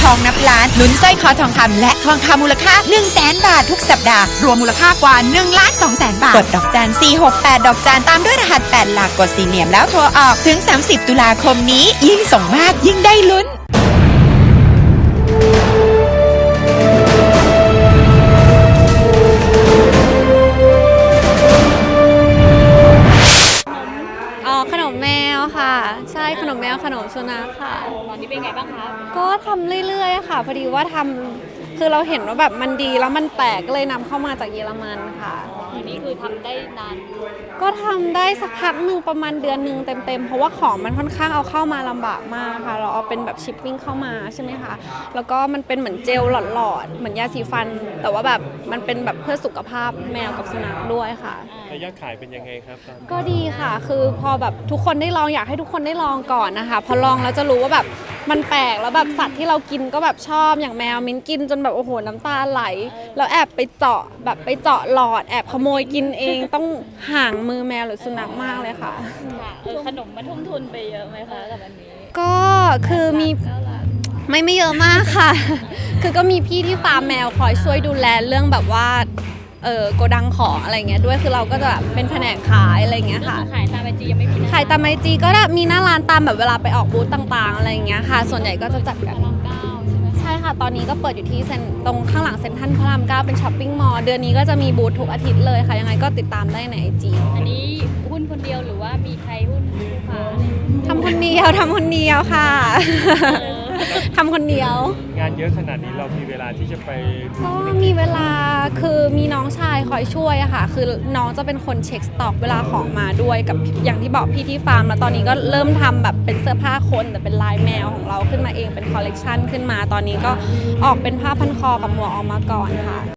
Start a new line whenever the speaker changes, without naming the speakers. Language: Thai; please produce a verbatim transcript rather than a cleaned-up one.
องนับล้านลุ้นสร้อยคอทองคำและทองคำมูลค่า หนึ่งแสน บาททุกสัปดาห์รวมมูลค่ากว่า หนึ่งล้านสองแสน บาทกดดอกจันสี่หกแปดดอกจันตามด้วยรหัสแปดหลักกดสี่เหลี่ยมแล้วโทรออกถึงสามสิบตุลาคมนี้ยิ่งส่งมากยิ่งได้ลุ้น
อ๋อขนมแมวค่ะใช่ขนมแมวขนมสุนัขค่ะ
ตอนนี้เป็นไงบ้างคะ
ก็ทำเรื่อยๆค่ะพอดีว่าทำคือเราเห็นว่าแบบมันดีแล้วมันแปลกก็เลยนำเข้ามาจากเยอรมันค่ะ
ทีนี้คือทำได้นาน
ก็ทำได้สักพักหนึ่งประมาณเดือนหนึ่งเต็มๆเพราะว่าของมันค่อนข้างเอาเข้ามาลำบากมากค่ะเราเอาเป็นแบบชิปปิ้งเข้ามาใช่ไหมคะแล้วก็มันเป็นเหมือนเจลหลอดๆเหมือนยาสีฟันแต่ว่าแบบมันเป็นแบบเพื่อสุขภาพแมวกับสุนัขด้วยค่ะ
ระยะขายเป็นยังไงครับตอนนี้
ก็ดีค่ะคือพอแบบทุกคนได้ลองอยากให้ทุกคนได้ลองก่อนนะคะพอลองแล้วจะรู้ว่าแบบมันแปลกแล้วแบบสัตว์ที่เรากินก็แบบชอบอย่างแมวมิ้นกินจนแบบโอ้โหน้ำตาไหลแล้วแอบไปเจาะแบบไปเจาะหลอดแอบขโมยกินเองต้องห่างมือแมวหรือสุนัขมากเลยค่ะ
ค่ะเออขนมมันทุ่มทุนไปเยอะไหมคะกับอันนี้
ก็คือมีไม่ไม่เยอะมากค่ะคือก็มีพี่ที่ฟาร์มแมวคอยช่วยดูแลเรื่องแบบว่าเออโกดังของอะไรเงี้ยด้วยคือเราก็จะแบบเป็นแผนกขายอะไรเงี้ยค่ะ
ขายตามไอจียังไม่มี
ขายตามไอจีก็มีหน้าร้านตามแบบเวลาไปออกบูธต่างๆอะไรเงี้ยค่ะส่วนใหญ่ก็จะจัดกัน
พระรามเก้าใช่ไหม
ใช่ค่ะตอนนี้ก็เปิดอยู่ที่เซ็นตรงข้างหลังเซ็นทรัลพระรามเก้าเป็นช้อปปิ้งมอลล์เดือนนี้ก็จะมีบูธทุกอาทิตย์เลยค่ะยังไงก็ติดตามได้ในไอจี
อันนี้หุ้นคนเดียวหรือว่ามีใครหุ้นลูกค้า
ทำคนเดียวทำคนเดียวค่ะทำคนเดียว
งานเยอะขนาดนี้เรามีเวลาที่จะไป
ก็มีเวลาคือมีน้องชายคอยช่วยอะค่ะคือน้องจะเป็นคนเช็คสต็อกเวลาของมาด้วยกับอย่างที่บอกพี่ที่ฟาร์มแล้วตอนนี้ก็เริ่มทำแบบเป็นเสื้อผ้าคนแต่เป็นลายแมวของเราขึ้นมาเองเป็นคอลเลกชันขึ้นมาตอนนี้ก็ออกเป็นผ้าพันคอกับหมวกออกมาก่อนค่ะ